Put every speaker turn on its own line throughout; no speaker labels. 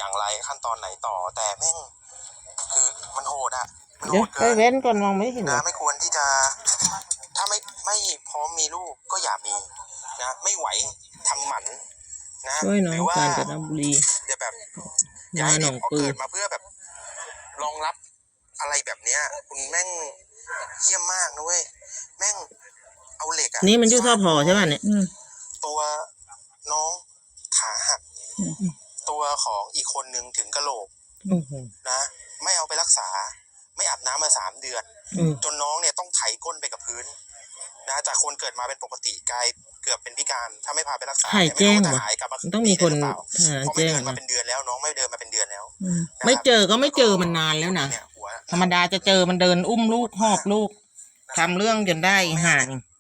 อย่างไรขั้นตอนไหนต่อแต่แม่งคือมันโหดอะมันโห
เดี๋ยว
ด
ไป
เกิน
เว้นก่อนมองไม่เห็น
นะไม่ควรที่จะถ้าไม่พร้อมมีลูกก็อย่ามีนะไม่ไหวทำหมันนะ
ช่วยน้อ
หรื
ง
ว่า
กาญจนบุรี
จะแบบ
มาหนองปือ
เกิดมาเพื่อแบบรองรับอะไรแบบเนี้ยคุณแม่งเยี่ยมมากนะเว้ยแม่งเอาเหล็กอะ
นี่มันอยู่ท่อพอใช่ป่ะเนี่ย
ตัวน้องขาหักตัวของอีกคนนึงถึงกะโหลกนะไม่เอาไปรักษาไม่อาบน้ำมา3 เดือนจนน้องเนี่ยต้องไถก้นไปกับพื้นนะจากคนเกิดมาเป็นปกติกลายเกือบเป็นพิการถ้าไม่พาไปรักษา
ใครแจ้ง
ไม่รู้จะ
วะ
หายกลับมา
ต้องมีคน
ดีหรือเปล่าเพราะไม่
แจ้ง
เดินมา
นะ
เป็นเดือนแล้วน้องไม่เดินมาเป็นเดือนแล้ว
ไม่เจอก็ไม่เจอมันนานแล้วนะ
เนี่ยหัว
ธรรมดาจะเจอมันเดินอุ้มลูกหอบลูกทำเรื่องจนได้ห่าง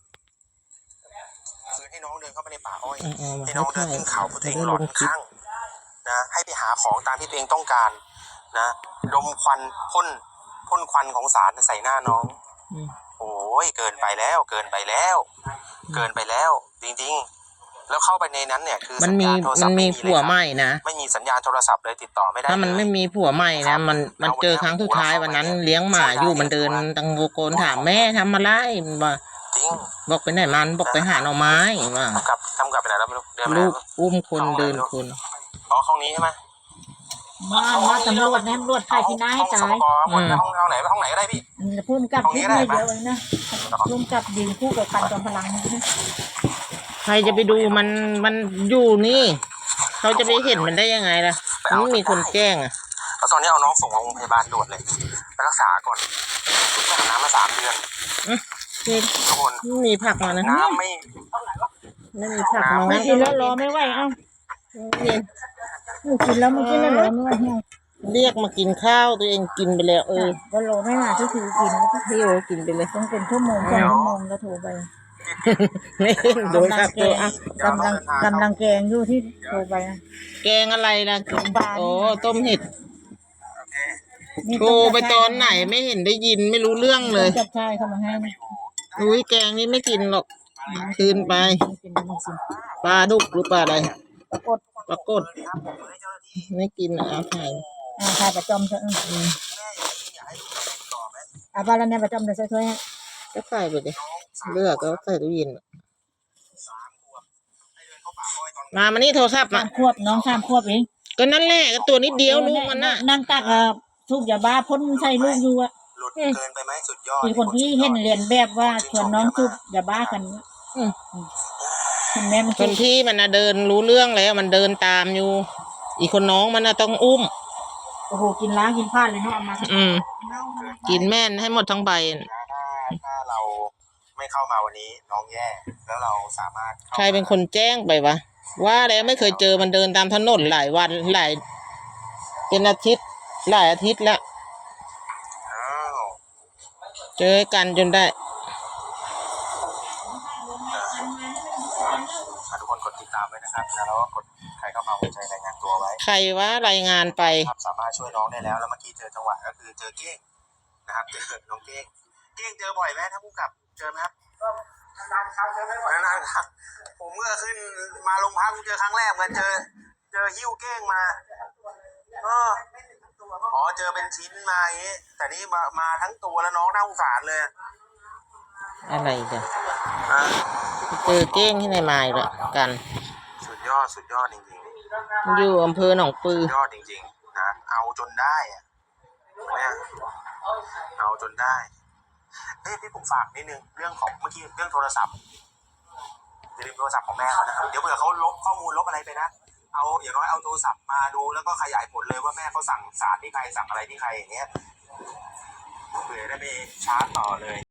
คือให้น้องเดินเข้าไปในป่าอ้อย
เอามา
ให้น้องเดินขึ้นเขาเพราะตัวเอง
ให้
หล
ล
อน
งคลิป
ข้างนะให้ไปหาของตามที่ตัวเองต้องการนะดมควันพ่นควันของสารใส่หน้าน้องโอ้ยเกินไปแล้วเกินไปแล้วจริงๆแล้วเข้าไปในนั้นเนี่ยคือ
มันมี
สัญญาณโทรศั
มั
พ
น
ท์
มี
ไเลย
ผัว
ครับ
ใหม่นะ
ไม่มีสัญญาณโทรศัพท์เลยติดต่อไม่ได้
ถ้ามันไม่มีผัวใหม่นะมันเจอครั้งสุดท้ายวันนั้นเลี้ยงหมาอยู่มันเดินตังโกนถามแม่ทำอะไรมันบอก
จริง
บอกไปไหนมันบอกไปหาหน่อไม้ว่า
ทำกลับไปไหนแล้วไม่รู้เดินไปไหน
ลูกอุ้มคนเดินคน
อ๋อห้องนี้ใช่ไหม
มาตำรวจนะตำรวจไทยที่น่าให้ตาย
ห้องไหนก็ได้พี่
พุ่มกับพุ่มไม่เดียวเลยนะพุ่มกับยืนคู่กับกันจอมพลังนะ
ใครจะไปดูมันอยู่นี่เขาจะไปเห็นมันได้ยังไงล่ะมันไม่มีคนแจ้งอ่ะ
แล้วตอนนี้เอาน้องส่งโรงพยาบาลด่วนเลยไปรักษาก่อนไปหาน้ำมา3 เดือน
นี่
ทุกคน
ไม่มีผักมานะ
น้ำไม่
ไม่มีผักมา
ไม่กินแล้วรอไม่ไหวเอ้ากินแล้วมันกินแล้วรอไม่ไหว
เรียกมากินข้าวตัวเองกินไปแล้ว
ก็รอไม่มาที่คือกิน
พี่โอกินไปเลย
ต้องเป็นชั่วโมง2 ชั่วโมงแล้วโทรไป
ไม่โดนผักตัวอ่ะ
กำลังแกงอยู่ที่โทรไป
แกงอะไรล่ะโอ้ต้มเห็ด
โอเค
โทรไปตอนไหนไม่เห็นได้ยินไม่รู้เรื่องเลย
จับชายเข้ามาให้
อุ้ยแกงนี้ไม่กินหรอกคืนไปปลาดุกหรือปลาอะไร
ปรากฏ
ปรากฏไม่กินอาหาร
ถ่ายประจำเถอะบาลเนี่ยประจำจะช่วยให้
ก็ใส่ไปเลยเลือกก็ใส่ตู้เย็นมานี่โทรศัพท์มา
3 ขวบน้อง3 ขวบเอง
ก็นั่นแหละก็ตัวนิดเดียวลูกมันน่ะ
นั่งตักทุกอย่าบ้าพ่นใส่ลูกอยู่อะ
หลุดเกินไปไหมสุดยอด
มีคนที่เห็นเรียนแบบว่าชวนน้องทุกอย่าบ้ากันคุณแม่มัน
คนพี่มันน่ะเดินรู้เรื่องแล้วมันเดินตามอยู่ อีกคนน้องมันน่ะต้องอุ้ม
โอ้โหกินล้างกินพลาดเลยเนาะเอามา
กินแม่นให้หมดทั้งใบ
ถ้าเราไม่เข้ามาวันนี้น้องแย่แล้วเราสามารถ
ใครเป็นคนแจ้งไปวะว่าแล้วไม่เคยเจอมันเดินตามถนนหลายวันเป็นอาทิตย์หลายอาทิตย์แล้ว
อ้าว
เจอกันจนได้
ทุกคนกดติดตามไว้นะครับแล้วก็กดใครเข้ามาหัวใจรายงานตัวไว้
ใครว่ารายงานไป
ครับสามารถช่วยน้องได้แล้วเมื่อกี้เจอจังหวะก็คือเจอเก้งนะครับเจอน้องเก้งเจอบ่อยไหมถ้าผู้กับเจอไหมครับนานๆครั้งเจอไม่บ่อยนานๆครับผมเมื่อขึ้นมาโรงพักเจอครั้งแรกเหมือนเจอหิ้วเก้งมาอ๋อเจอเป็นชิ้นมาอย่างนี้แต่นี่มาทั้งตัวแล้วน้องน่าสงสารเลย
อะไรจ้ะเจอเก้งที่ไหนมาอีกแล้วกัน
สุดยอดจริงๆ
อยู่อำเภอหนองปือ
ยอดจริงๆนะเอาจนได้อะเนี่ยเอาจนได้พี่ผมฝากนิดนึงเรื่องของเมื่อกี้เรื่องโทรศัพท์อย่าลืมโทรศัพท์ของแม่เขานะครับเดี๋ยวเผื่อเขาลบข้อมูลลบอะไรไปนะเอาอย่างน้อยเอาโทรศัพท์มาดูแล้วก็ขยายผลเลยว่าแม่เขาสั่งสารที่ใครสั่งอะไรที่ใครอย่างเงี้ยเผื่อได้ไปชาร์จต่อเลย